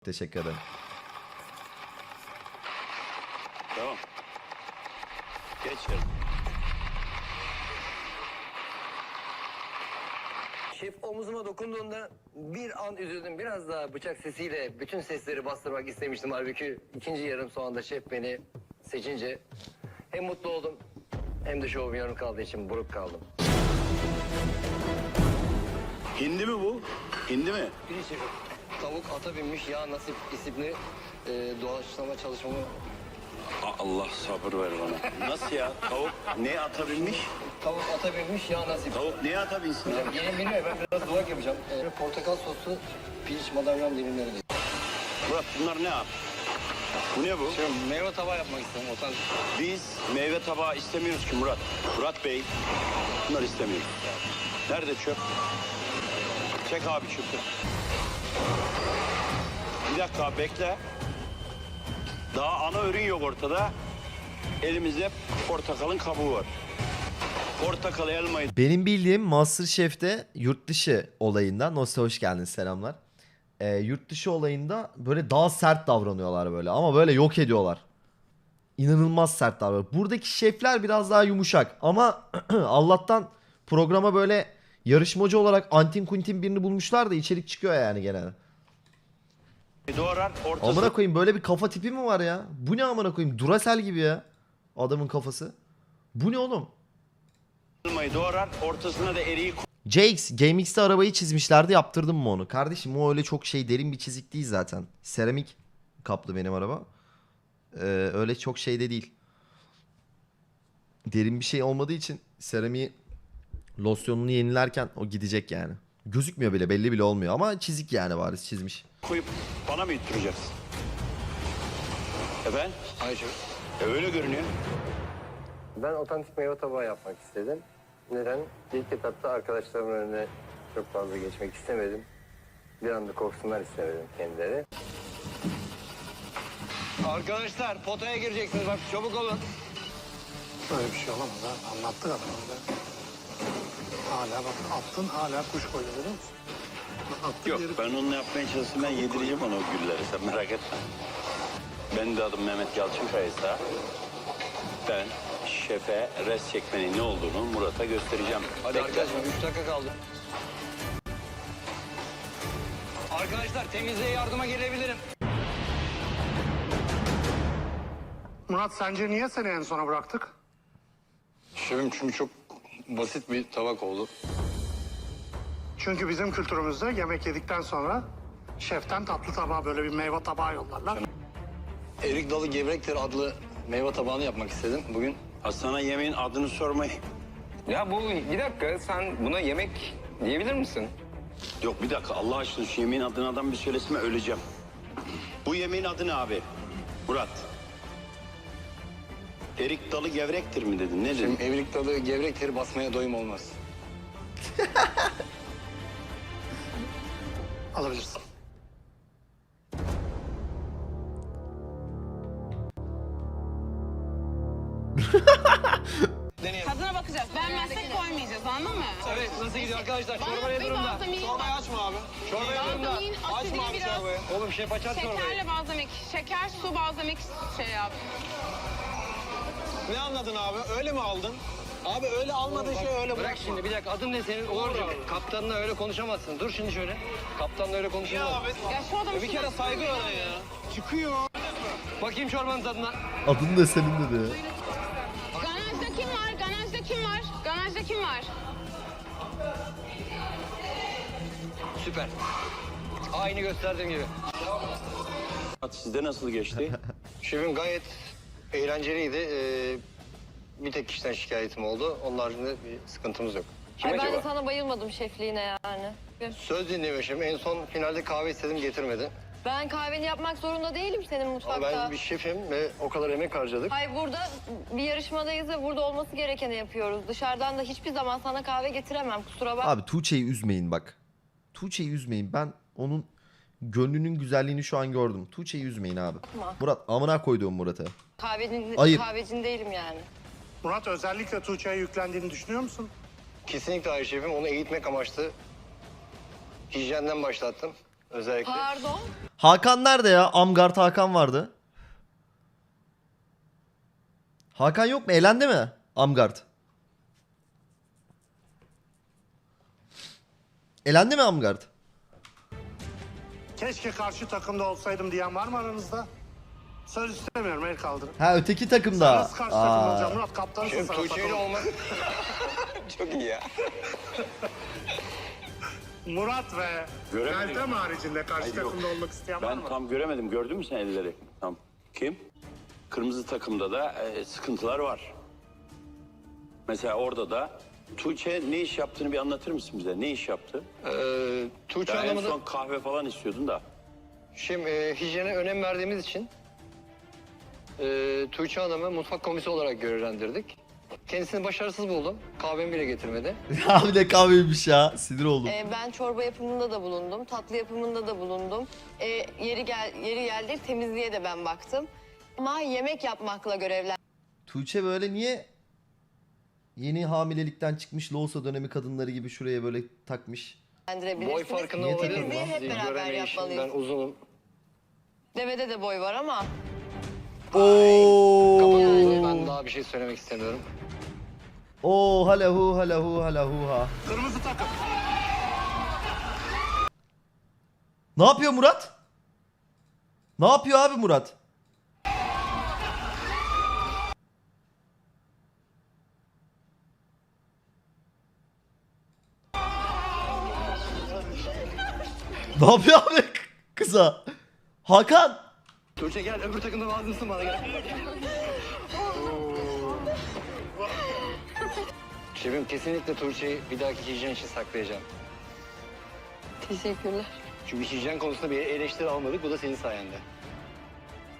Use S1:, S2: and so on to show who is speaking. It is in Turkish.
S1: Teşekkür ederim.
S2: Tamam. Geç yarın.
S3: Şef omuzuma dokunduğunda bir an üzüldüm. Biraz daha bıçak sesiyle bütün sesleri bastırmak istemiştim. Halbuki ikinci yarım sonunda şef beni seçince hem mutlu oldum hem de şovum yarım kaldığı için buruk kaldım.
S2: Hindi mi bu? Hindi mi?
S3: Bir şefim, tavuk ata binmiş yağ nasip isimli doğaçlama çalışmamı...
S2: Allah sabır ver bana. Nasıl ya? Tavuk ne ata binmiş?
S3: Tavuk ata binmiş yağ nasip.
S2: Tavuk neye ata binsin ya?
S3: Gelin bilmiyor, ben biraz dudak yapacağım. Portakal soslu pirinç madalyon dilimleri de.
S2: Murat bunlar ne abi? Bu ne bu?
S3: Şimdi meyve tabağı yapmak istedim. Otantik.
S2: Biz meyve tabağı istemiyoruz ki Murat. Murat Bey, bunları istemiyoruz. Nerede çöp? Çek abi çöpü. Bir dakika abi, bekle. Daha ana ürün yok ortada. Elimizde portakalın kabuğu var. Portakal, elmayı...
S1: Benim bildiğim MasterChef'te yurt dışı olayında, Nosya hoş geldin, selamlar. Yurt dışı olayında böyle daha sert davranıyorlar böyle ama böyle yok ediyorlar. İnanılmaz sert davranıyor. Buradaki şefler biraz daha yumuşak ama Allah'tan programa böyle yarışmacı olarak Antin Kuntin birini bulmuşlar da içerik çıkıyor yani genelde.
S2: Doğrar, ortası...
S1: Amına koyayım, böyle bir kafa tipi mi var ya? Bu ne amına koyayım? Duracell gibi ya. Adamın kafası. Bu ne oğlum?
S2: elmayı doğrar, ortasına da eriği...
S1: JX GameX'te arabayı çizmişlerdi, yaptırdım mı onu? Kardeşim o öyle çok şey derin bir çizik değil zaten. Seramik kaplı benim araba. Öyle çok şey de değil. Derin bir şey olmadığı için seramiği losyonunu yenilerken o gidecek yani. Gözükmüyor bile, belli bile olmuyor ama çizik yani, bariz çizmiş.
S2: koyup bana mı yutturacaksın? Efendim?
S3: Hayır şef.
S2: Öyle görünüyor.
S3: Ben otantik meyve tabağı yapmak istedim. Neden? İlk etapta arkadaşlarımın önüne çok fazla geçmek istemedim. Bir anda korksunlar istemedim kendileri. Arkadaşlar potaya gireceksiniz, bak çabuk olun.
S4: Böyle bir şey olamaz ha. Anlattık adamı da. Hala bak attın, hala kuş koyuyor, biliyor musun? Attın
S2: Yok,
S4: geri-
S2: ben onunla yapmaya çalıştım. Ben yedireceğim ona o gülleri. Sen merak etme. Benim de adım Mehmet Yalçınkaya'ysa ben şefe res çekmenin ne olduğunu Murat'a göstereceğim.
S3: Hadi
S2: Bekle.
S3: arkadaşlar 3 dakika kaldı. Arkadaşlar temizliğe yardıma gelebilirim.
S4: Murat, sence niye seni en sona bıraktık?
S3: Şefim çünkü çok basit bir tabak oldu.
S4: Çünkü bizim kültürümüzde yemek yedikten sonra şeften tatlı tabağı, böyle bir meyve tabağı yollarlar.
S3: Erik dalı gevrektir adlı meyve tabağını yapmak istedim bugün.
S2: Ha, sana yemeğin adını sormayı...
S5: Ya bu bir dakika, sen buna yemek diyebilir misin?
S2: Yok bir dakika, Allah aşkına şu yemeğin adını adam bir söyleseme, öleceğim. Bu yemeğin adı ne abi? Murat. Erik dalı gevrektir mi dedin? Ne dedin?
S3: Şimdi erik dalı gevrektir, basmaya doyum olmaz.
S4: Alabilirsin.
S6: Tadına bakacağız. Beğenmezsek koymayacağız, anladın mı?
S3: Evet, nasıl gidiyor arkadaşlar? Çorba ne
S6: Bir
S3: durumda?
S6: balzamik,
S3: Açma abi. Çorba ne durumda?
S6: balzamiğin asidi biraz.
S3: Oğlum şef açar çorbayı.
S6: Şekerle balzamik. Şeker, su, balzamik şey yap.
S7: Ne anladın abi? Öyle mi aldın? Abi öyle almadığın şey öyle
S3: Bırak
S7: bırakma.
S3: şimdi bir dakika, adın ne senin? Uğurcuğum. Kaptanla öyle konuşamazsın. Dur şimdi şöyle. Kaptanla öyle
S7: Ya
S3: konuşamazsın.
S7: abi.
S6: Ya şu adamı
S7: Bir kere saygı öğren ya. Çıkıyor.
S3: Bakayım çorbanın tadına.
S1: Adın da senin dedi.
S6: Ganajda kim var? Ganajda kim var? Ganajda kim var?
S3: Süper. Aynı gösterdiğim gibi.
S2: Sizde nasıl geçti?
S3: Şefim gayet eğlenceliydi. Bir tek kişiden şikayetim oldu. Onun haricinde bir sıkıntımız yok. Kim
S8: Ay ben
S3: acaba?
S8: de sana bayılmadım şefliğine yani.
S3: Söz dinlemiyor şefim. En son finalde kahve istedim, getirmedi.
S8: Ben kahveni yapmak zorunda değilim senin
S3: Ama
S8: mutfakta.
S3: ben bir şefim ve o kadar emek harcadık.
S8: Hayır, burada bir yarışmadayız ve burada olması gerekeni yapıyoruz. Dışarıdan da hiçbir zaman sana kahve getiremem, kusura bakma.
S1: Abi Tuğçe'yi üzmeyin bak. Tuğçe'yi üzmeyin. Ben onun gönlünün güzelliğini şu an gördüm. Tuğçe'yi üzmeyin abi. Murat, amına koyduğum Murat'a. Hayır.
S8: Kahvecin değilim yani.
S4: Murat, özellikle Tuğçe'ye yüklendiğini düşünüyor musun?
S3: Kesinlikle hayır şefim. Onu eğitmek amaçlı hijyenden başlattım. Özellikle.
S8: Pardon.
S1: Hakan nerede ya? Amgard Hakan vardı. Hakan yok mu? Elendi mi? Amgard. Elendi mi Amgard?
S4: Keşke karşı takımda olsaydım diyen var mı aranızda? Söz istemiyorum, el kaldırın.
S1: Ha öteki takımda.
S4: Nasıl karşı takım
S1: Aa.
S4: olacağım? Murat kaptansın
S5: Şef
S4: sana
S5: Tuğçe ile
S4: takım.
S5: olmak çok iyi ya.
S4: Murat ve
S2: Göremedim.
S4: Meltem haricinde karşı
S2: Hayır, yok.
S4: takımda olmak isteyen var
S2: Ben
S4: mı?
S2: tam göremedim. Gördün mü sen elleri? Tam. Kim? Kırmızı takımda da sıkıntılar var. Mesela orada da Tuğçe ne iş yaptığını bir anlatır mısın bize? Ne iş yaptı?
S3: Tuğçe
S2: Ya en
S3: Hanım'ı da
S2: son kahve falan istiyordun da.
S3: şimdi hijyene önem verdiğimiz için Tuğçe Hanım'ı mutfak komisi olarak görevlendirdik. Kendisini başarısız buldum. Kahvemi bile getirmedi.
S1: Abi ne kahveymiş ya. Sinir oldum.
S8: Ben çorba yapımında da bulundum. Tatlı yapımında da bulundum. Yeri geldi temizliğe de ben baktım. Ama yemek yapmakla
S1: Tuğçe böyle niye yeni hamilelikten çıkmış Loğusa dönemi kadınları gibi şuraya böyle takmış?
S8: görevlendirebilirsiniz.
S3: Boy farkında
S1: Niye
S3: olabilir
S1: takıldın
S8: Temizliği
S3: mi?
S8: hep beraber
S3: Göremeyişim, ben
S8: yapmalıyız.
S3: uzunum.
S8: Devede de boy var ama
S1: Oo.
S8: Yani.
S3: Ben daha bir şey söylemek istemiyorum.
S1: Oo halahu halahu halahu ha.
S4: Kırmızı takım.
S1: Ne yapıyor Murat? Ne yapıyor abi Murat? Ne yapıyor abi kıza? Hakan.
S3: Tuğçe gel, öbür takımda lazımsın bana gel. Şefim kesinlikle Tuğçe'yi bir dahaki hijyen için saklayacağım.
S8: teşekkürler.
S3: Çünkü hijyen konusunda bir eleştiri almadık, bu da senin sayende.